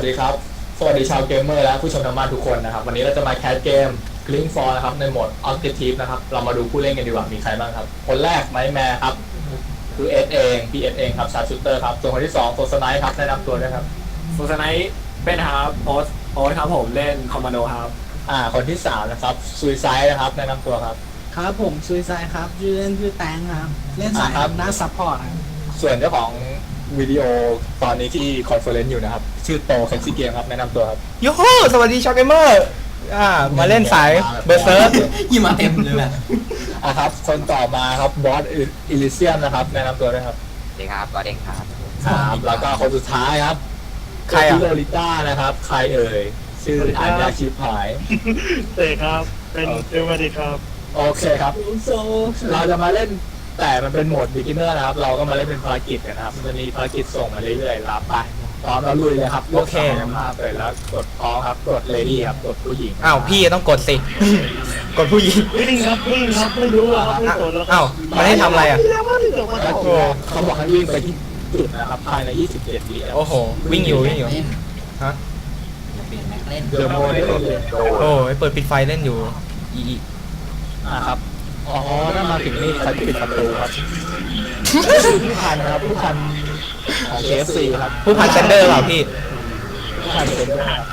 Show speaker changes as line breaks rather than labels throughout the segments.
ดีครับสวัสดีชาวเกมเมอร์และผู้ชมทางบ้านทุกคนนะครับวันนี้เราจะมาแคสเกม Gling For นะครับในโหมด Objective นะครับเรามาดูผู้เล่นกันดีกว่ามีใครบ้างครับคนแรกไมค์แมร์ครับคือเอสเองพีเอสเองครับชาร์ชูเตอร์ครับส่วนคนที่2โฟร์สไนท์ครับแนะนำตัวด้วยครับ
โฟร์ไนท์เป็นครับโอ๊ตครับผมเล่นคอมมานโดครับ
คนที่3นะครับซูซายนะครับแนะนำตัวครับ
ครับผมซุยไซครับชื่อเล่นชื่อแตงครับเล่นสายครับด้านซัพพอร์ตครับ
ส่วนเจ้าของวิดีโอตอนนี้ที่คอนเฟอเรนซ์อยู่นะครับชื่อโตเคนซิเกมครับแนะนำตัวครับ
ยูฮูสวัสดีชาวเกมเมอร์มาเล่นสายเบอร์เซิร์ฟ
ยิ่งมาเต็มเลยแหละ
ครับคนต่อมาครับบอสอิลิเซียมนะครับแนะนำตัวด้วยครับ
สวัสดีครับก็เด้งครับ
แล้วก็คนสุดท้ายครับ
ใครอ่ะ
โลลิต้านะครับใครเอ่ยชื่ออัญญาชิพหาย
เตะครับ เป็นเอลมาดีครับ
โอเคครับเราจะมาเล่นแต่มันเป็นโหมด beginner นะครับเราก็มาเล่นเป็นภารกิจกันนะครับมันจะมีภารกิจส่งมาเรื่อยๆรับไปพร้อมแล้วลุยเลยครับ
โอเค
มาเปิดแล้วกดพร้อมครับกด lady ครับกดผู้หญิง
อ้าวพี่ต้องกดสิ กดผู้หญิง
วิ่งครับวิ่งครับไม่รู้ครับไม่สนแล้ว
อ้าวมันให้ทำอะไรอ่ะ
ก็คือเขาบอกให้วิ่งไปที่จุดนะครับภายใน27 วิครับ
โอ้โหวิ่งอยู่ฮะ
เปลี่ยนแม็กเล่น
เดอะโมเดล
โอ้ยเปิดปิดไฟเล่นอยู่อี
นะครับอ๋อถ้ามาถึงนี่เขาจะปิดประตูครับผู้พันครับผู้พันของ KFC ครับ
ผู้พันเซนเดอร์เปล่าพี่
ผู้พันเป็นด้วยครับ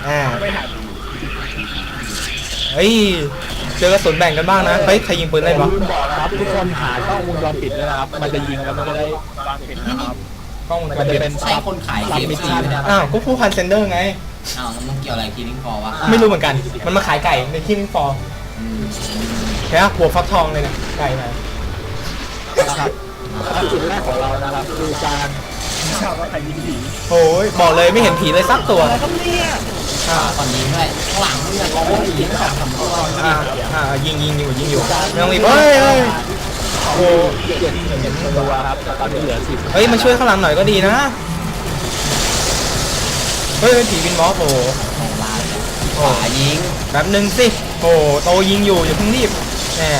เฮ้ยเจอกระสุนแบ่งกันบ้างนะเฮ้ยใครยิงปืนเล่นวะ
ลืมบอกนะครับทุกคนหากล้องวงจรปิดด้วยนะครับมันจะยิงแล้วมันจะได้
กล้องวงจ
มัน
ร
จะ
ปิด
เป็น
ใช่คนขาย
ซับ
เกม
มิช
ซี
ชั่น
ไม่ได้
อ้าวก็ผู้พันเซนเดอร์ไง
อ้าวแล้วมันเกี่ยวอะไรคีนิ่งฟอร์วะ
ไม่รู้เหมือนกันมันมาขายไก่ในที่นิ่งฟอร์แค่หัวฟักทองเลยเนี่ยไก่ไหน
นะครับจุดแรกของเรานะครับคือการ
โอ้ยบอกเลยไม่เห็นผีเลยสักตัว
ตอนนี้ด้วยข้างหลังเนี่ยเขายิงสองสามตัว
ยิงอยู่ไม่ต้องรีบเฮ้ยโอ้
เจ็ดตัวครับตอนนี้เหลือ10
เฮ้ยมาช่วยข้างหลังหน่อยก็ดีนะเฮ้ยผีวินมอสโอ้
ขวายิง
แบบนึงสิโอ้โตยิงอยู่อย่าเพิ่งรีบแหม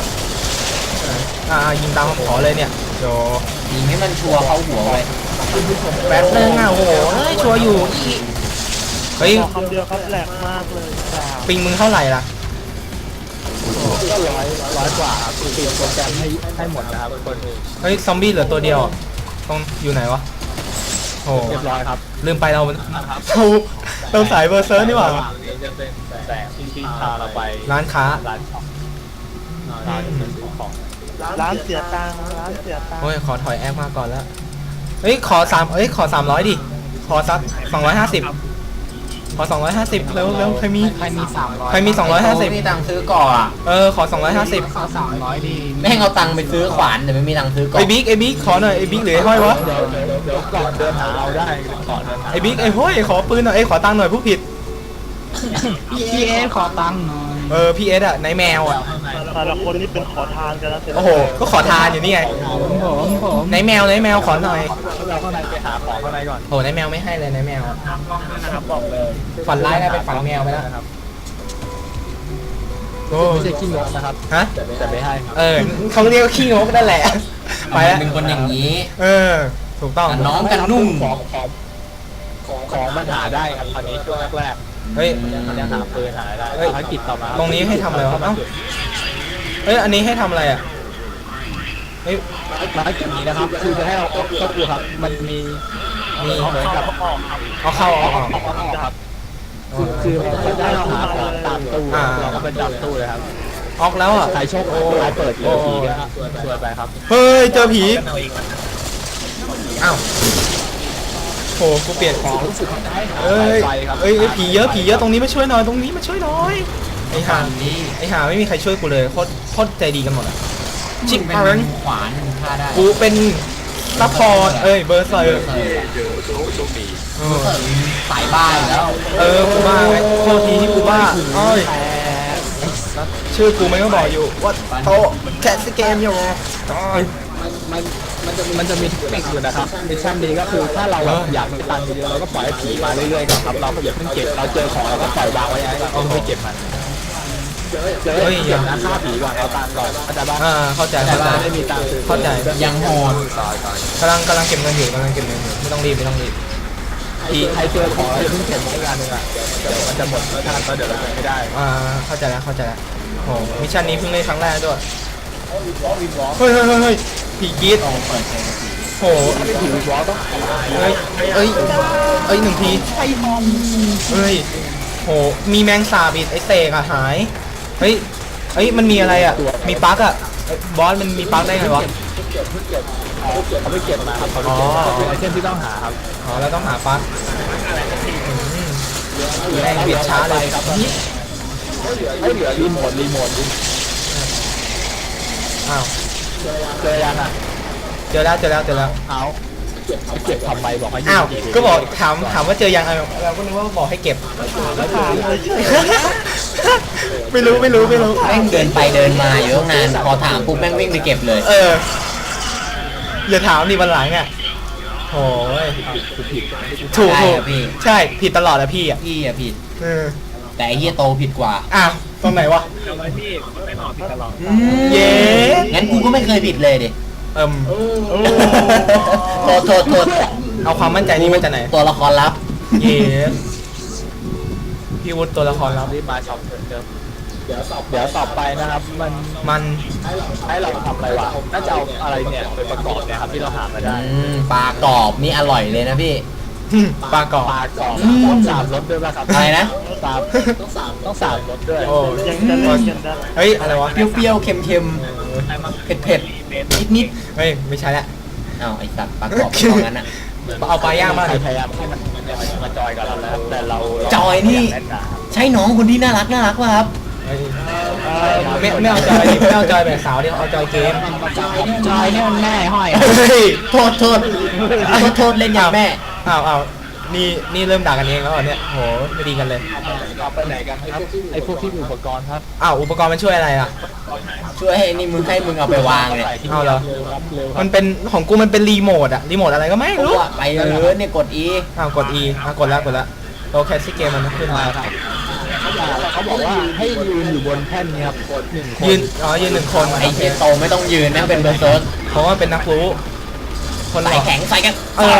ยิงตามคำขอเลยเนี่ยโจ
ยิงให้มันชัวร์เข้าหัวไว้
แป๊บนึงโอ้โหชัวร์อยู่เฮ้ย
คำเดียวครับแหลกมากเลยจ้า
ปิงมึงเท่าไหร่ล่ะ
ก็ร้อยกว่าครับคือโปรแกรมให้หมดนะครับคน
เฮ้ยซอมบี้เหลือตัวเดียวต้องอยู่ไหนวะโอ้
เรียบร้อยครับ
ลืมไปเราสายเบอร์เซอร์นี่หว่า
ระว่างนี้จะเป็นแสงที่พาเราไป
ร้านค้า
ร้านช็อปร้านซื้อของ
ร้านเสียตังค์ร้านเสียตังค์
โอ้ยขอถอยแอปมาก่อนแล้วเฮ้ยขอ300ดิขอสัก250ขอ250เร็วใครมี
มีตังค์ซื้อก่ออ่ะ
ขอ250
300ดีแม่งเอาตังค์ไปซื้อขวานแต่ไม่มีตังค์ซื้อก่อ
ไอ้บิ๊กขอหน่อยไอ้บิ๊กหรือไอ้ห้อยวะ
เดี๋ยวก่อนเดินหาเอาได้ก่อนเดินหา
ไอ้บิ๊กไอ้ห้อยขอปืนหน่อยขอตังค์หน่อยผู้ผิด
พี่เอขอตังค์หน่อย
พี่เอสอะในแมวอะ
แต่ละคนนี่เป็นขอทานกันนะเสร็จ
โอ้โหก็ขอทานอยู่นี่ไง
ผม
ในแมวขอหน่อย
เราข้างในไปหาของข้างในก่อน
โอ้ในแมวไม่ให้เลยในแมวอะ
นะครับบอกเลย
ฝันร้ายได้เป็นฝันแมวไปแล้ว
ครับ
โอ้
ไม่ใช่ขี้งกนะครับ
ฮะ
แต่ไม่ให้ครับ
เขาเรียกว่าขี้งกนั่นแหละไปแล้ว
เป็นคนอย่างนี้
ถูกต้อง
กันน้องกันนุ่ม
ของมันหาได้ครับตอนนี้ช่วงแรก
เฮ้ย
ๆมันยังหาปืนหาได้ภารกิจต่อมา
ตรงนี้ให้ทำอะไรวะเอ้าเฮ้ยอันนี้ให้ทำอะไรอ่ะเฮ้ย
ภารกิจนี้นะครับคือจะให้เราก็คือครับมันมีเหมือนกับ
เอาเข้าออก
ครับคือมันได้เราหาของตามตู้เราก็เป็นตามตู้เลยครับ
ออกแล้วอ่ะ
ใครโชคดีใครเปิดเจอผีก็ช่วยไปครับ
เฮ้ยเจอผีอ้าวโหกูเปลี่ยน
ของรู้สึกได้
เอ้ย
ไปครับ
ผีเยอะตรงนี้มาช่วยหน่อยไอ้ห่าไม่มีใครช่วยกูเลยโคตรใจดีกันหมดอ่ะชิป
เป็น
อาร์น
ขวานฆ่าได้
กูเป็นซัพพอร์ตเบอร์เซอร์
สายบ้านแล้ว
กูบ้าไงโทษทีที่กูบ้าอ้อยชื่อกูไม่ก็บอกอยู่ว่าโตแคสเกมอยู่อ้อย
มันจะมีเทคนิคอยู่นะครับมิชชั่นนี้ก็คือถ้าเราอยากมีตังค์เยอะเราก็ปล่อยให้ผีมาเรื่อยๆก่อนครับเราก็อย่าเพิ่งเก็บเราเจอของเราก็ปล่อยวางไว้ให้เราไม่เก็บมันเก็บนะฆ่าผีก่อนเอาตังค์ก่อนเข้าใจบ้าง
เข้าใจ
ไม่มีตังค์ซื้อ
ยังโหด
กำลังเก็บเงินอยู่ไม่ต้องรีบ
ทีใครเจอของอะไรเพิ่งเก็บไว้งานหนึ่งอ่ะเดี๋ยวมันจะหมดแล้วท่านก็เดี๋ยวเราไม่ได้
เข้าใจแล้วโอ้มิชชั่นนี้เพิ่งเล่นครั้งแรกด้วยเฮ้ยผีกรีดโอ้
ผีวิวอลต้อง
เอ้ย1 ทีเฮ้ยโหมีแมงสาบอีกไอเสกอะหายเฮ้ยมันมีอะไรอะมีปลั๊กอะบอสมันมีปลั๊กได้ไงวะ
เขาไม่เก็บมาครับเขาเป็นไอเทมที่ต้องหาครับ
อ๋อแล้วต้องหาปลั๊กแรงเบียดช้าเลย
ครับไม่เหลือรีโมท
อ้าว
เจอยังอ่ะ
เจอแล้ว
เอาเก็บทำไมบอกให้
อ้าวก็บอกถามว่าเจอยังเราก็นึกว่าบอกให้เก็บ
ก็ถามเลยเฉย
ไม่รู้
แม่งเดินไปเดินมาอยู่ตั้งนานพอถามปุ๊บแม่งวิ่งไปเก็บเลย
อย่าถามดิวันหลังอ่ะโอ้ยถูก
ใช่อะพี่
ใช่ผิดตลอดอะพี่อ่ะ
พี่อะผิด
เออ
แต่ไอ้เฮียโตผิดกว่า
อ้าวตรงไหนวะ เย้
งั้นกูก็ไม่เคยผิดเลยดิ โทษ
เอาความมั่นใจนี้มาจากไหน
ตัวละครลับ
เย้พี่วุฒิตัวละครลับ
รีบมาช็อปเดิมเดี๋ยวต่อไปนะครับมันให้เราทำอะไรวะน่าจะเอาอะไรเนี่ยไปประกอบเนี่ยครับที่เราหามาได้
ปลากรอบนี่อร่อยเลยนะพี่
ปลากรอบ
ปลากรอบต้องสามรสด้วยป่ะครับ
อะไรนะ
ต้องสามรสด้วย
โอ้
ยังจะเล่นกันได้
เฮ้ยอะไรวะ
เปรี้ยวๆ เค็มๆ เผ็ดๆ นิด
เฮ้ยไม่ใช่ละ
ๆอ้าวไอ้สัตว์ปลากรอบตรงนั้นอะ
เอาปลาย่างมา
ใคร
ดิ
พยายามให้มันมาจอยกับเราแล้วแต่เรา
จอยนี่ ใช่น้องคนที่น่ารักป่ะครับ
เฮ้ยไม่เอาจอยดิไม่เอาจอยแบบสาวดิเอาจอยเกม
จอยเนี่ยมันแม่ห้อย
เฮ้ย
โทษเล่นอย่างแม่
อ้าวนี่เริ่มด่ากันเองแล้วเหรอเนี่ยโหไม่ดีกันเลย
เราไปไหนกันครับไอพวกที่มีอุปกรณ์ครับ
อ้าวอุปกรณ์มันช่วยอะไรอ่ะ
ช่วยให้นี่มึงเอาไปวางเนี่ย
เอาเหรอ
เร็วครับ
มันเป็นของกูมันเป็นรีโมทอะรีโมทอะไรก็ไม่รู้
ไปเลยเนี่ยกด E
กด E กดแล้วโอเคที่เกมมันขึ้นมา
เขาบอกว่าให้ยืนอยู่บนแท่นนี้ครับกด1 คน
ยืน1 คน
ไอ้เฮียโตไม่ต้องยืนแม่งเป็นเบอร์เซิร์ช
เพราะว่าเป็นนักรู้คน
ใส่แข็งใส่กัน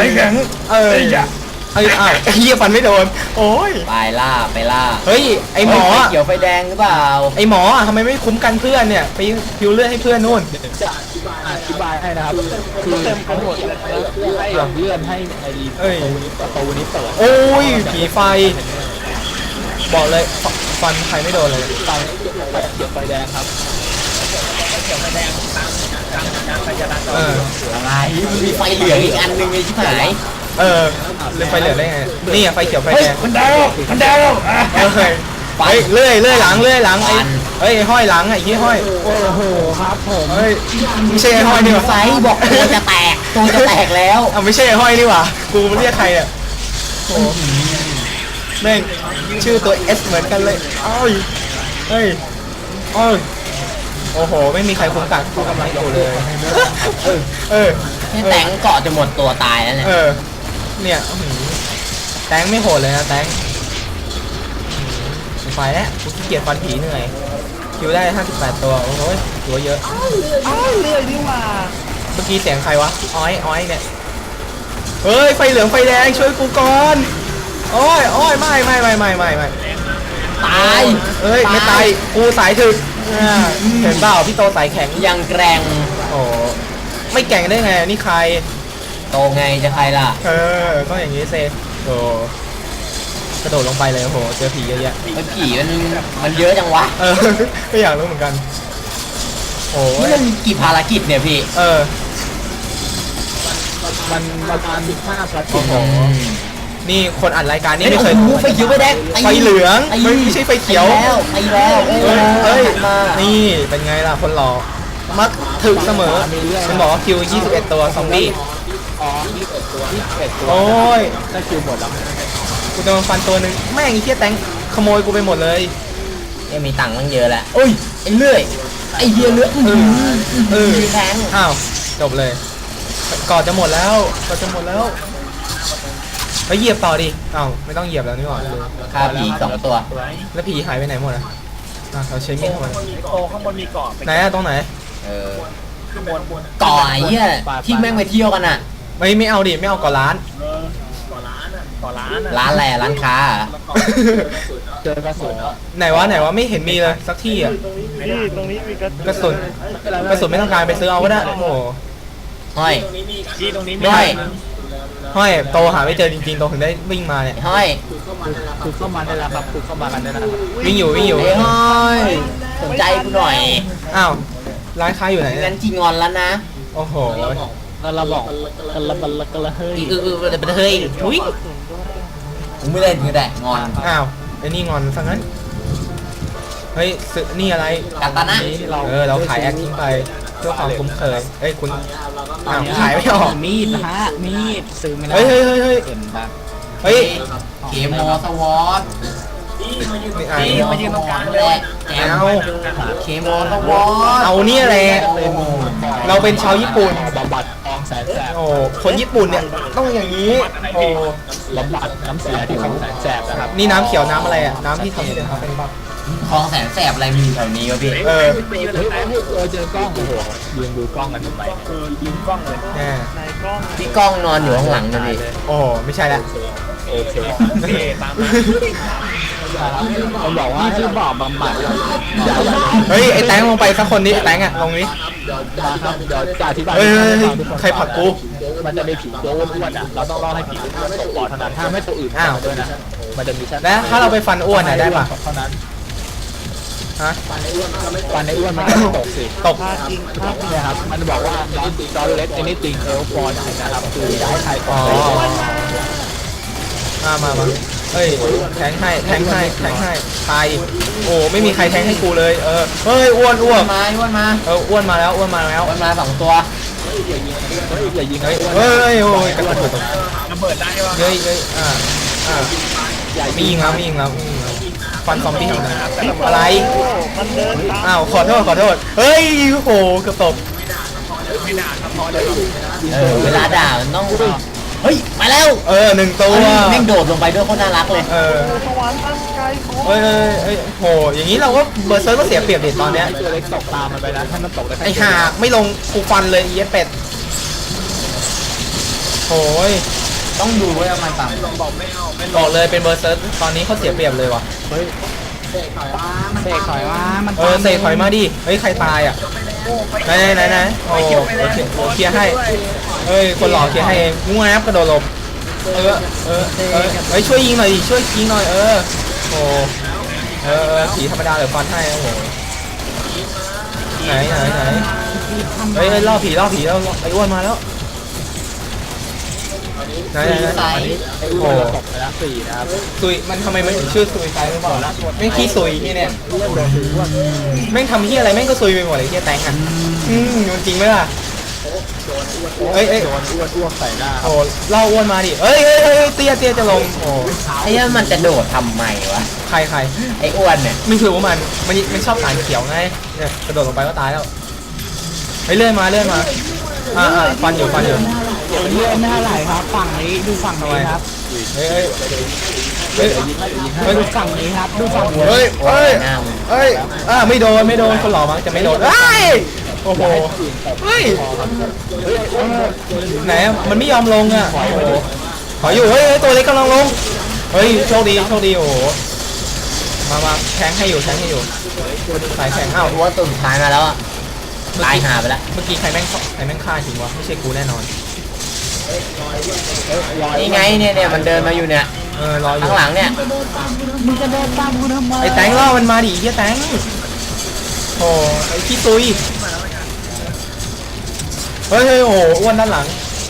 อ้าวเฮียฟันไม่โดนโอ้ย
ไปล่า
เฮ้ยไอหมอ
ไฟเขียวไฟแดงหรือเปล่า
ไอหมอทำไมไม่คุ้มกันเพื่อนเนี่ยไปพิวเลือดให้เพื่อนนู่น
จะอธิบายให้นะครับคือเต็มไปหมดเลยให้เลื่อนให้ไอ้ประตูนี้เปิด
โอ้ยผีไฟ บอกเลยฟันใครไม่โดนเลย
ไฟเขียวไฟแดงครับ
อะไรมีไฟเหลืองอีกอันหนึงไอ้ชิบหาย
เลือไฟเหลืองได้ไงนี่ไฟเขียวไฟแดง
มันดาว
ไปเลื่อยหลังเฮ้ยห้อยหลังไอ้ยี่ห้อยโอ้โหครับผมเฮ้ยไม่ใช่ไอ้ห้อยนี่หว่า
ไฟบอกตัวจะแตกแล้ว
ไม่ใช่ไอ้ห้อยนี่หว่ากูเรียกใครอ่ะโอ้แม่งชื่อตัว S เหมือนกันเลยเฮ้ยโอ้โหไม่มีใครคุ้มกันกูกำลังอยู่เลย
แค่แตงเกาะจะหมดตัวตายแล้วเนี่ย
เนี่ยแตงไม่โหดเลยนะแตงไฟแล้วกูขี้เกียจฟันผีเหนื่อยคิวได้58ตัวโอ้โหตัวเยอะ
เรื่อยดีว่า
เมื่อกี้เสียงใครวะอ้อยเนี่ยเฮ้ยไฟเหลืองไฟแดงช่วยกูก่อนโอ้ยไม่
ตาย
เอ้ยไม่ตายกูสายถึกเห็นเปล่าพี่โตสายแข็ง
ยังแกร่ง
โอ้ไม่แก่งได้ไงนี่ใคร
โตไงจะใครล่ะ
ก็อย่างนี้เซโอ้กระโดดลงไปเลยโอ้โหเจอผีเยอะแยะ
ไอ้ผีมันเยอะจังวะ
ก็อยากรู้เหมือนกันโอ้
นี่
ย
มันกี่ภารกิจเนี่ยพี่
มันประมาณ15 ภารกิ
โอ้
จ
โหนี่คนอัดรายการนี่
ไม่
ไม่
เค
เค
ย
ย
ไฟเขียวไฟแดง
ไฟเหลือง
ไอ้
ไม่ใช่ไฟเขียว
ไปแล้ว
เฮ้ย
มา
นี่เป็นไงล่ะคนหล่อมักถึกเสมอฉันบอกว่าคิว21ตัวซอมบี้
21 ตัว
โอ้ย
ได้คิวหมดแล้ว
กูจะมาฟันตัวหนึ่งแม่งไอ้เหี้ยแตงขโมยกูไปหมดเลย
เนี่ยมีตังค์ตั้งเยอะแล้วโอ้ยไอ้เลื่อยไอ้เหี้ยเลื่อยแทง
อ้าวจบเลยก่อนจะหมดแล้วไปเหยียบต่อดิอ้าวไม่ต้องเหยียบแล้วนี่หว่า
ฆ่าผี2 ตัว
แล้วผีหายไปไหนหมดอ่ะเขาใช้มีดทำไม
โตข้างบนมีเกาะ
ไหนอะตรงไหน
ก่อไอ้เหี้ยที่แม่งไปเที่ยวกันอ่ะ
ไม่เอาดิไม่เอาก่อนร้าน
ก่อร้านอ่ะ
ร้านอะไรอะร้านค้าอะ
เจอกระสุน
ไหนวะไม่เห็นมีเลยสักที่อ่ะ
นี่ตรงนี้มีกระ
กระสุนไม่ต้องการไปซื้อเอาก็ได้โอ้โห
ห้อย
ที่ตรงนี้มี
ห้อย
ห้อยโตหาไม่เจอจริงๆโตถึงได้วิ่งมาเนี่ย
ห้อย
คือเข้ามาได้แล้วครับคือเข้ามากันได้แล้ว
วิ่งอยู่
เฮ้ยห้อยสนใจกูหน่อย
อ้าวร้านค้าอยู่ไหนเนี่
งั้
ย
นจีงอนแล้วนะ
โอ้โห
เราบอกเราเฮ้ย
เฮ้ยทุยกูไม่เล่นก็ได้งอน
อ้าวไอ้นี่งอนซะงั้นเฮ้ยซื้อนี่อะไร
กาตานะ
เราขายแอคทิ้งไปเพื่อความคุ้นเคยเอ้ยคุณอ้าวขายไม่ออก
มีดนะฮะมีดซื้อไม่ได้
เฮ้ย
เห็นปะ
เฮ้ย
เคมอสวอต
นี่อ่ะ
มายืนตรงกลางเลยแอมเคมอสวอต
เอาเนี่ยแหละเราเป็นชาวญี่ปุ่น
บำบัดคลองแสนแสบ
โอ้คนญี่ปุ่นเนี่ยต้องอย่างนี้โอ้
บำบัดน้ำเสียที่คลองแสนแสบนะครับ
นี่น้ำเขียวน้ำอะไรอ่ะน้ำที่ทำให้เดินทางเป็นบัก
คลองแสนแสบอะไรมีแถวนี้วะพี่
เออ
เจอกล้องโอ้โหยืนดูกล้องกันทำไม
ยิงกล้องเลย
แน่
ในกล้อง
พี่ก้องนอนอยู่ข้างหลังนะพี่
โอ้ไม่ใช่ละ
โอเค
โอเคตามมา
ผมบอกว่าให้บอกบำบัดอย่า
เฮ้ยไอ้แตงลงไปสักคนนี้ไอ้แตงอ่ะลงนี้
มาครับเดี๋ยวจะอธิบาย
เฮ้ยใครผลักกู
มันจะมีผีตัวอ้วนๆอ่ะเราต้องรอให้ผีอ้วนตกปอดเท่านั้นถ้าไม่ตัวอื่นด้วยนะมันจะมี
แล้วถ้าเราไปฟันอ้วนอ่ะได้ปะ
เท่านั้น
ฮะ
ฟันในอ้วนมันก็ตกสิ
ตก
ภาพจริงภาพจริง
เนี่ยครับมันบอกว่าดอลเล็ก anything else for นะครับคือย้ายใคร
อ๋อมาเฮ้ยแทงให้ตายดิโอ้ไม่มีใครแทงให้กูเลยเฮ้ยอ้วน
อ้วนมาอ้วนมา
อ้วนมาแล้ว
อ้วนมาสองตัว
อย่ายิง
เฮ้ยโอ้ยกระโดด
ระเบิดได้ปะ
เฮ้ยไม่ยิงแล้วฟันซอมบี้อะไร
มันเดินตาม
อ้าวขอโทษเฮ้ยโอ้โหเกือบตก
ไม่นานครับพอเลย
เวลาด่ามันต้องเฮ้ยมาแล้ว
หนึ่งตัว
แม่งโดดลงไปด้วยโคตรน่ารักเลย
สวรรค์ตั้งใจของ
เอ้ยโหอย่างนี้เราก็เบอร์เซิร์ฟก็เสียเปรียบดิตอนเนี้ย
ตัวเล็กตกตามมันไปนะถ้ามันตกได้
ไอ้ห่าไม่ลงกูฟันเลยเอี้ยเป็ดโหย
ต้องดูไว้ประมาณต่ำ
บอกเลยเป็นเบอร์เซิร์ฟตอนนี้เขาเสียเปรียบเลยว่ะ
เสกถอยมามัน
เสกถอยมาดิเฮ้ยใครตายอ่ะไหนโอ้เคลียร์ให้เฮ้ยคนหล่อเคลียร์ให้เองงูแอปกระโดดหลบเฮ้ยช่วยยิงหน่อยดิช่วยยิงหน่อยโอ้ผีธรรมดาหรือฟันให้โอ้โหไหนเฮ้ยล่อผีแล้วไอ้อ้วนมาแล้วไหน
ไอ้อ้วนตกไปแล้ว4นะครับ
ซุยมันทำไมมันถึงชื่อซุยไซหรือเปล่าแม่งขี้ซุยเนี่ยแม่งทำที่อะไรแม่งก็ซุยไปหมดเลยที่แตงอ่ะมันจริงไหมล่ะเอ้ย
โดนอ้วนใส่หน้า
โอ้เล่าอ้วนมาดิเอ้ยเตี้ยจะลงโอ้
ไอ้เนี่ยมันจะโดดทำไมวะ
ใคร
ไอ้อ้วนเนี่ย
ไม่คือว่ามันชอบสารเขียวไงเนี่ยกระโดดลงไปก็ตายแล้วเฮ้ยเลื่อนมาฟันอยู่
เลื่อนไม่เท่าไหร่ครับฝั่งนี้ดูฝั่งนี้ครับ
เฮ้ย
ดูฝั่งนี้ครับดูฝั่งนี้
เฮ้ยไม่โดนคนหล่อมั้งจะไม่โดนโอ้โหเฮ้ยไหนมันไม่ยอมลงอ่ะโอ้โหขออยู่เฮ้ยตัวเล็กกำลังลงเฮ้ยโชคดีโอ้โหมาแทงให้อยู่สายแทงอ้าว
ตัวตัวสุดท้ายมาแล้วอะตายหาไปแล้ว
เมื่อกี้ใครแม่งฆ่าจริงวะไม่ใช่กูแน่นอน
นี่ไงเนี่ยมันเดินมาอยู่เนี่ย
รออยู่
ข้างหลังเนี่ย
มึงจะเดินตามกูทำไม
ไอ้แตงล่อมันมาดิเฮียแตงโอ้ไอ้ขี้ตุยเฮ้ยโอ้อ้วนด้านหลัง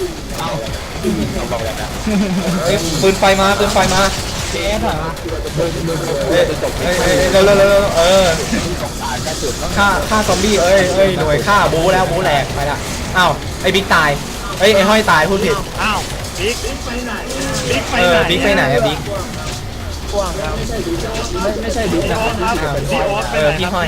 ปืนไฟมา
เจ๊ถอยมา
เร็วฆ่าซอมบี้หน่วยฆ่าบูแล้วบูแหลกไปละอ้าวไอ้บิ๊กตายไอ้ห้อยตายพูดผิด
อ้าวบิ๊กไปไหน
บิ๊กไปไหนอะบิ๊ก
กว้างครับ
ไม่ใช่ดินะ
พี่ห้อย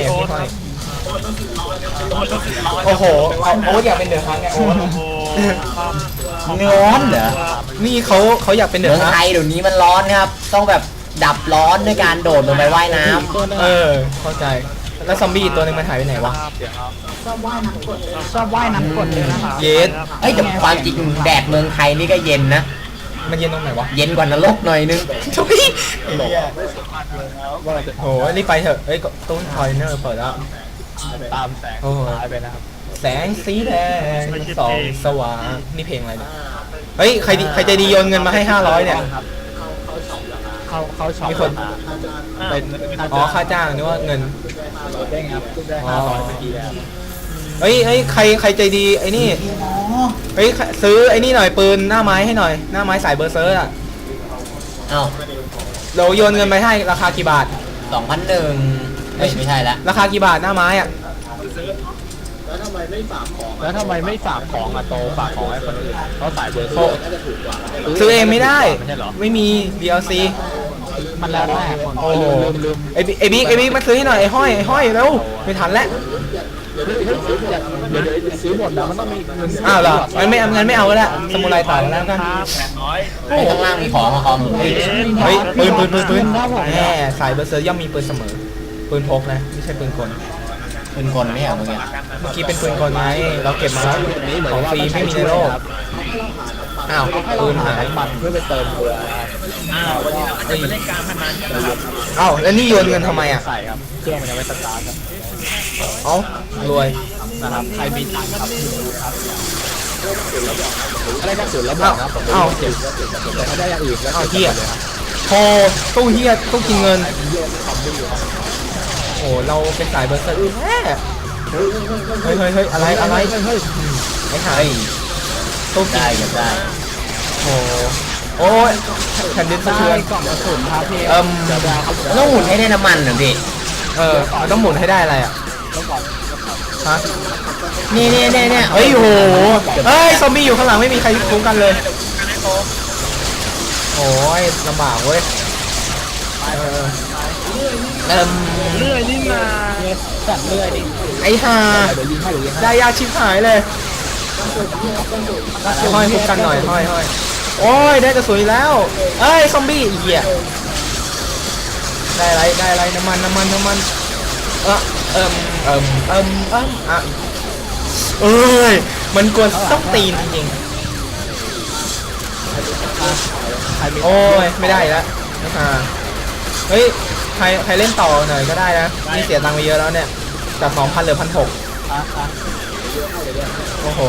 โอ้โหโอ๊ตอยากเป็นเดือดฮังไงโอ๊ต
โอ้โห
ร้อนเหรอ
นี่เขาอยากเป็นเดื
เมื
อ
อ
ด
ง
ฮัง
ไทยเดี๋ยวนี้มันร้อนครับ ต้องแบบดับร้อนด้วยการโดดลงไปว่ายน้ำ
เข้าใจแล้วซอมบี้อีกตัวนึงมันหายไปไหนวะ
ชอบว่ายน้ำกดเลยนะครับ
เยส
เฮ้ยแต่ความจริงแดดเมืองไทยนี่ก็เย็นนะ
มันเย็นตรงไหนวะ
เย็นกว่านรกหน่อยนึง
ทุยไอ้เหี้ยโหรีบไปเถอะเอ้ยตู้คอยเนอร์เปิดแล้ว
ตามแสง
โอ้โห
หายไปนะครับ
แสงสีแดงส่องสว่างนี่เพลงอะไรเนี่ยเฮ้ยใครใจดีโยนเงินมาให้500เนี่ย
เขาช็อป
มีคน
เป็น
อ๋อค่าจ้างนึกว่าเงิน
ได้ครับได้
อ๋อ
500เมื่อกี้แล้ว
เฮ้ยใครใจดีไอ้นี่เฮ้ยซื้อไอ้นี่หน่อยปืนหน้าไม้ให้หน่อยหน้าไม้สายเบอร์เซอร์อะ
เอ้า
เราโยนเงินไปให้ราคากี่บาท
2,001ไม่ใช่ละ
ราคากี่บาทหน้าไม้อะ
แล้วทำไมไม่ฝากของอะโตฝากของให้คนอื่นเขาสายเบอร์โซ่น่าจะถูกกว่า
ซื้อเองไม่ได้
ไม่ใช่เหรอ
ไม่มี DLC
มันแล้วแต่คน
โอ้โห
ลืม
ไอ้บิ๊กมาซื้อให้หน่อยไอ้ห้อยเร็วไม่ทันแล้ว
เดี๋ยวซื้อหมดแล้วมันต้องมีเงิน
อ้าวเหรองั้นไม่เอาก็ได้สมุไรต่อแล้วกัน
ไอ้ข้างล่างมีของมาคอม
เฮ้ยปืนแน่สายเบอร์เซอร์ย่อมมีปืนเสมอปืนพกนะไม่ใช่ปืนกล
เป็นคนไม่เหรอเมื่อกี้
เมื่อกี้เป็นปืนกลไงเราเก็บมาแล้วของฟรีไม่มีในโลกอ้าวปืนหาย
มันเพื่อไปเติมเกลือนะครับ
อ้าวแล้วนี่โยนเงินทำไมอ่ะ
ใส่ครับเครื่องมันยังไม่สตาร์ทครับ
เอ้ารวย
นะครับใครมีตังค์ครับอะไรกระสุนแล้วบอกนะผมเก็บแต่ถ้าได้อย่างอื่นแล้ว
อ้าวเฮียโธ่ตู้เฮียตู้กินเงินโอ้เราเป็นสายเบอร์เซอร์แน่เฮ้ยอะไรไอ้หายตู้กิน
ได้ก็ได้
โอ้ยแผ่นดินสะเทือน
กล่องกระสุนครับพี่
ต้องหมุนให้ได้น้ำมันเหรอพี่
มันต้องหมุนให้ได้อะไรอ่ะฮะ
นี่
เฮ้ยโหเฮ้ยซอมบี้อยู่ข้างหลังไม่มีใครคุ้มกันเลยโอ้ยลำบากเว้ย
เลื่อยนี่นา
สั่งเลื่อยดิ
ไอ้ห่า
เดี๋ยวยิงให้
ได้ยาชิบหายเลยห้อยคุ้มกันหน่อยห้อยโอ้ยได้กระสุนอีกแล้วเอ้ยซอมบี้เหี้ยได้อะไรน้ำมันอ่ะเอ้ยมันกวนต้องตีนจริงๆโอ้ยไม่ได้แล้วเฮ้ยใครเล่นต่อหน่อยก็ได้นะนี่เสียตังค์ไปเยอะแล้วเนี่ยจาก 2,000 เหลือ 1,600โอ้โห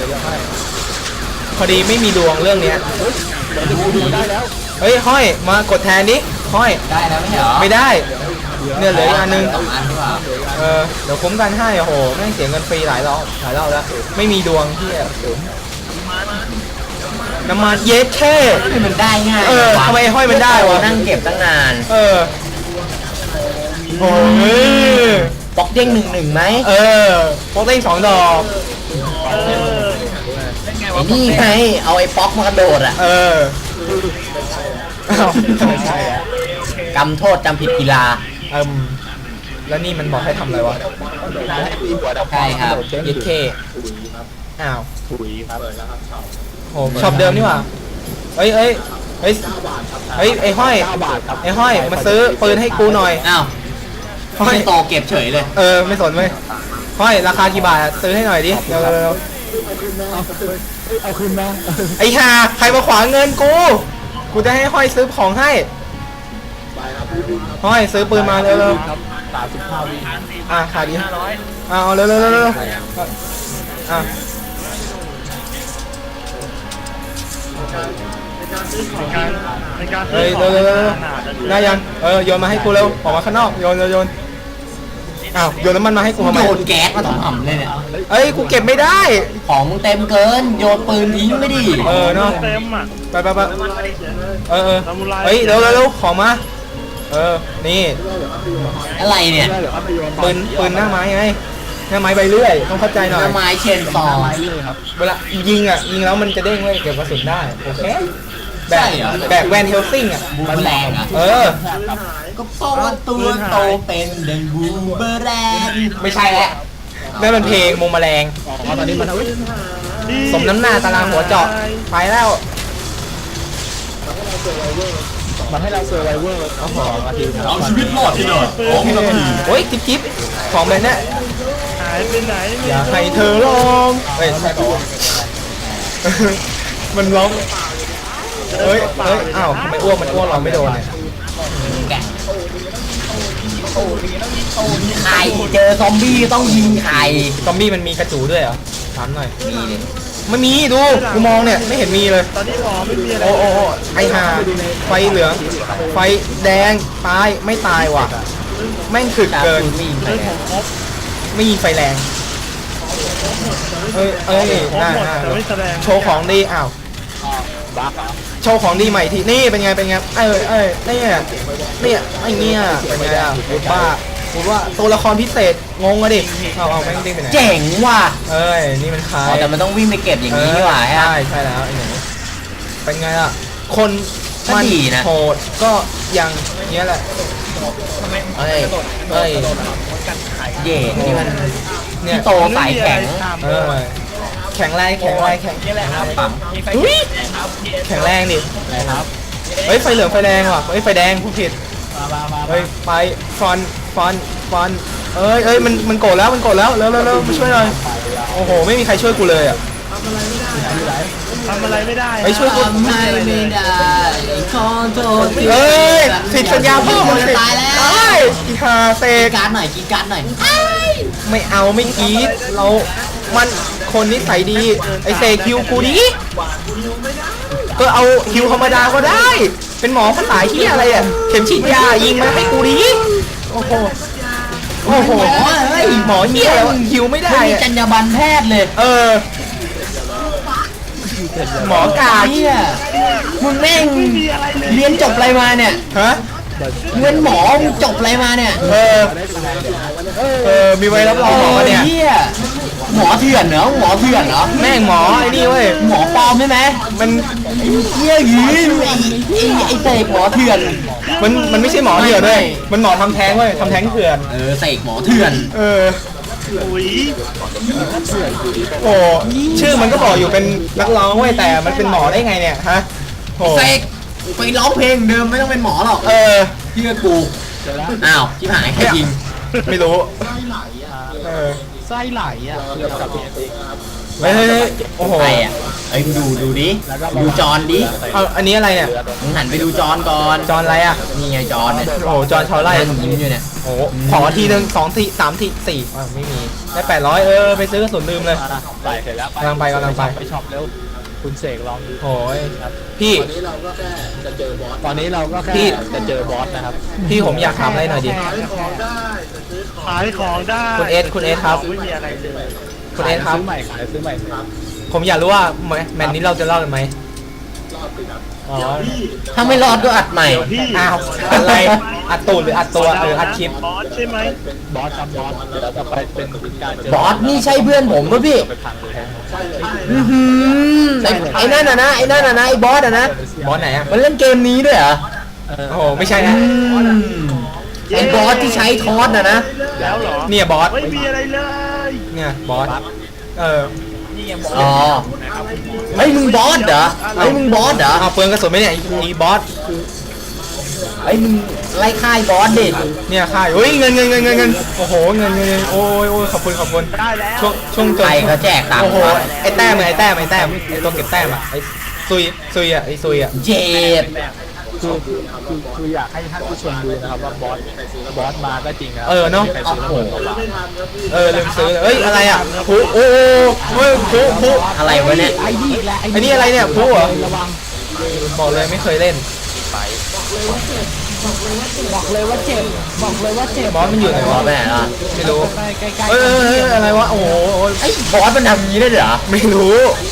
พอดีไม่มีดวงเรื่องเนี้ย
ดูได้แล้ว
เฮ้ยห้อยมากดแทนนี้ห้อย
ได้แล้วไม่ใช่เหรอ
ไม่ได้เนี่ยเหลืออีกอันนึง
2 อันหรือเปล่า
เดี๋ยวคุ้มกันให้โอ้โหแม่งเสียเงินฟรีหลายรอบแล้วไม่มีดวงที่น้ำมันเย็ดแค่
มันได้ง่าย
ทำไมห้อยมันได้วะ
นั่งเก็บตั้งนาน
โอ้ย
บล็อกเด้ง1-1ไหม
โปรเต้ง2 ดอก
ไอ้นี่ไงเอาไอ้ป๊อกมากระโดดอ่ะ
ไม่ใช่อะ
กำโทษจำผิดกีฬา
แล้วนี่มันบอกให้ทำอะไรวะ
ใช่ครับ
เย็ดเคอ้าว
ถุยครับแล้วครับ
โหช็อปเดิมนี่หว่าเฮ้ยไอ้ห้อย
9 บาทครับ
ไอ้ห้อยมาซื้อปืนให้กูหน่อย
อ้าว
ห้อย
ไม่โตเก็บเฉยเลย
ไม่สนเว้ยห้อยราคากี่บาทอะซื้อให้หน่อยดิเร็ว
เอาคืนมา
ไอ้ห่าใครมาขวางเงินกูจะให้ห้อยซื้อของให้ห้อยซื้อปืนมาเร็ว
ครับ35 วิ
ขาดดิเอาเร็ว
ในการ
เฮ้ยเร็วได้ยังโยนมาให้กูเร็วออกมาข้างนอกโยนโยนน้ำมันมาให้กูทำไม
โยนแก๊สมาต่ำๆเลยเนี่ย
กูเก็บไม่ได้
ของมึงเต็มเกิน โยนปืนทิ้งไม่ดิ
เนาะ
เต็มอ่ะ
ไปเฮ้ยเร็วของมานี่
อะไรเนี่ย
ปืนหน้าไม้ไงหน้าไม้ใบเลื่อยต้องเข้าใจหน่อย
น้ำไม้เชนซอ
เวลายิงแล้วมันจะเด้งไว้เก็บกระสุนได้โอเคแบกแวนเฮลซิงอ่ะ
บูมแรงอ่ะ ก็เพราะว่าตัวโตเป็นดังบูมเบอร์แรง
ไม่ใช่แล้วนั่นมันเพลงมุมแมลง
ตอนนี้มัน
สมน้ำหน้าตารางหัวเจาะไปแล้ว
มันให้เราเซอร์ไวเวอร์2 นาทีครับ
เอาชีวิตรอดที่หน่อย2 นาที
โอ้ยจิ๊บของแบบนี้
หายไปไหน
อยากให้เธอลองใช่ปะมันร้องเฮ้ยอ้าวทำไมอ้วกมันอ้วกเราไม่โดนเนี่ย
แกะไข่เจอซอมบี้ต้องยิงไข่
ซอมบี้มันมีกระจูด้วยเหรอถามหน่อย
มีเลย
ไม่มีดูกูมองเนี่ยไม่เห็นมีเลย
ตอนนี้หมอไม่มีอะไร
โอ้ไอห่าไฟเหลืองไฟแดงตายไม่ตายว่ะแม่งถึกเกิน
ไม่ยิงไข่
เรื่อง
แด
ของ งครบ
ไม่ยิงไฟแรงเอ้ย
ครบ
น่า
หมดแต่ไม่แสดง
โชว์ของดีอ้าว
บักเหรอ
โชว์ของดีใหม่ทีนี่เป็นไงเนี่ยไอ้เงี้ยเป็นไงอ่ะพูดว่าตัวละครพิเศษงงอะดิเอาแม่งดิ้งไปไหน
เจ๋งว่ะ
เอ้ยนี่มันใคร
อ๋อแต่มันต้องวิ่งไปเก็บอย่างนี้นี่หว่าฮะ
ใช่แล้วไอ้หนูเป็นไงอ่ะคน
ก็ดีนะ
โหดก็ยังเงี้ยแหละ
เอ้ยเย่นี่มัน
เนี่ย
พี่โตสายแข็ง
แข็งแรง
ปั๊ม
อุ๊ยแข็งแรงดิ
อะไรครับ
เฮ้ยไฟเหลืองไฟแดงว่ะเฮ้ยไฟแดงผู้ผิด
มา
เฮ้ยไปฟันเอ้ยมันโกรธแล้วเร็วมาช่วยหน่อยโอ้โหไม่มีใครช่วยกูเลยอ่ะ
ทำอะไรไม่ได้
เฮ้ยช่วยกู
ทำให้ไม่ได้ขอโทษ
เฮ้ยผิดสัญญาพ่อมึงสิ
ตายแล้ว
ได้อีหาเสก
การ์ดหน่อยกีการ์ดหน่อย
ไม่เอาไม่กรีดมันคนนิสัยดีไอเสกคิวกูดิก็เอาคิวธรรมดาก็ได้ เป็นหมอภาษาที่อะไรอ่ะเข็มฉีดยายิงมาให้กูดิโอ้โหหมอเหี้ยแล้วคิวไม่ได้
ไม่มี
อะ
จรรยาบรรณแพทย์เลย
หมอกา
เฮียมึงแม่งเรียนจบอะไรมาเนี่ย
ฮะ
มึงเป็นหมอมึงจบอะไรมาเนี่ย
มีไว้รับรองหมอเนี่ย
เฮียหมอเถื่อนเหรอหมอเถื่อนเหรอ
แม่งหมอไอ้นี่เว้ย
หมอปลอมใช่ไหม
มัน
เฮียยืนไอ้เสกหมอเถื่อน
มันไม่ใช่หมอเถื่อนด้วยมันหมอทำแท้งเว้ยทำแท้งเถื่อน
เสกหมอเถื่อน
อุ้ย
โอ้ชื่อมันก็บอกอยู่เป็นนักร้องเว้ยแต่มันเป็นหมอได้ไงเนี่ยฮะโอ้
เสกไปร้องเพลงเดิมไม่ต้องเป็นหมอหรอก เชื่อกูอ้าวชิบหายใครยิง
ไม่รู้ไส้ไหลอ่ะเฮ้ยโอ้โห
ใครอ่ะไอ้ยดูดิดูจอนดิ
เอาอันนี้อะไรเนี่ย
มึงหันไปดูจอนก่อน
จอนอะไรอ่ะ
นี่ไงจอนเนี่ย
โอ้โหจอนชาวไร่
นั่งยิ้มอยู่เนี่ย
โอ้โหขอทีหนึ่ง2 ที 3 ที 4ไม่มีได้800ไปซื้อกระสุนลืมเลย
ใส่เสร็จแล้ว
กำลังไป
ไปช็อปเร็วคุณเสกลองดู
โอ้ยพี่
ตอนนี้เราก็แค่จะเจอบอสนะครับ
พี่ผมอยากถามอะไรหน่อยดิ
ขายของได้
คุณเอสครับ
ไม่มีอะไรเลย
คุณเอสครับ
ซื้อใหม่ขายซื้อใหม่
ผมอยากรู้ว่าแมนนี้เราจะรอดกันไหมอ๋อ
ถ้าไม่รอดก็อัดใหม่
พี่
อ้าวอะไรอัดตูดหรืออัดตัวหรืออัดคลิป
บอสใช่ไหม
บอสครับบอสเดี๋ยวเราจะไปเป็นการเจอบ
อสนี่ใช่เพื่อนผมป่ะพี่
ไปพังเลย
ไอ้นั่นน่ะนะไอ้บอสอ่ะนะ
บอสไหนอ่ะ
มันเล่นเกมนี้ด้วยเหรอ
โอ้โหไม่ใช่นะ
ไอ้บอสที่ใช้ทอสอ่ะนะ
แล้วเหรอ
เนี่ยบอส
ไม่มีอะไรเลย
เนี่ยบอสเออ
อ๋อไอ้ยมึงบอสเหรอไอ้ยมึงบอสเหรอ
เอาเปลืองกระสุนไหมเนี่ยไอ้บอส
ไอ้ยมึงไล่ค่ายบอสดิ
เนี่ยค่ายเฮ้ยเงินโอ้โหเงินโอ้ยขอบคุณ
ได้แล้ว
ช่วงจ
ใครเขาแจกตัง
โอ้
ค์
โห
วะ
ไอ้แต้มไอ้ตัวเก็บแต้มอ่ะไอ้ซุยอ่ะไอ้ซุยอ่ะ
เจ็บ
คืออยากให้ท่านผู้ชมดูนะครับว่าบอสมาก็จริงนะ
เนาะ
ใครซื้อระเบิดมา
ลืมซื้อเลยเอ้ยอะไรอ่ะผู้โอ้เฮ้ยผู้
อะไรวะเนี่ย
ไอ้นี่อะไรเนี่ยผู้เหรอบอกเลยไม่เคยเล่นบอกเลยว่าเจ็บบอสมันอยู่ไหน
บอ
วะ
สไปไหนล่ะ
ไม่รู้อะไรวะโอ้โห
ไอ้บอสมันทำอย่างนี้ได้เหรอ
ไม่รู้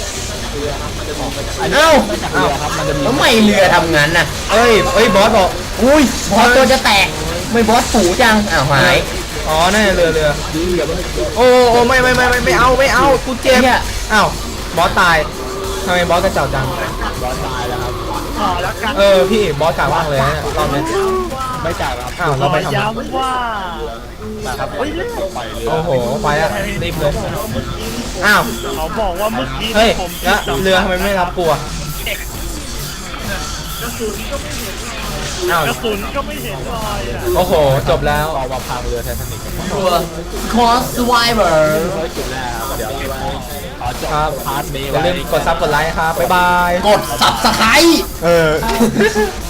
เอ้า
ครับมันจะมี
แล้วไม่เรือทำงั้นน่ะ
เอ้ยบอสบอก
อุ้ยบอสตัวจะแตกไม่บอสฝูจังอ้าวหาย
อ๋อนั่นเรือโอ้ไม่เอากูเจ็บอ้าวบอสตายทำไมบอสกระเจ้าจัง
บอสตายแล้วครับ
ขอแล้วกัน
พี่บอสกล่าวว่างเลยนะรอบนี้
ไม่จ่ายครับ
อ้าว
ข
เรา
อ
ไปทำ
ย้ำว่า
นะครับไปเรือ
โอ้โหไปแล้วรีบเลยอ้าว
เขาบอกว่าเมื่อกี้
เฮ้ย
ผม
แล้วเรือทำไมไม่รับกูอ่ะอ้าว
กระสุนก็ไม่เห็นรอยอ่ะ
โอ้โหจบแล้ว
เอามาพังเรือไททานิกกัน
ตัวคอสไวเบอร์
จุดแรกครับเดี๋ยวเราไปขอจบ
ครับ
พาร์ทนี้
อย่าลืมกดซับกดไลค์ครับบ๊ายบาย
กด subscribe
เออ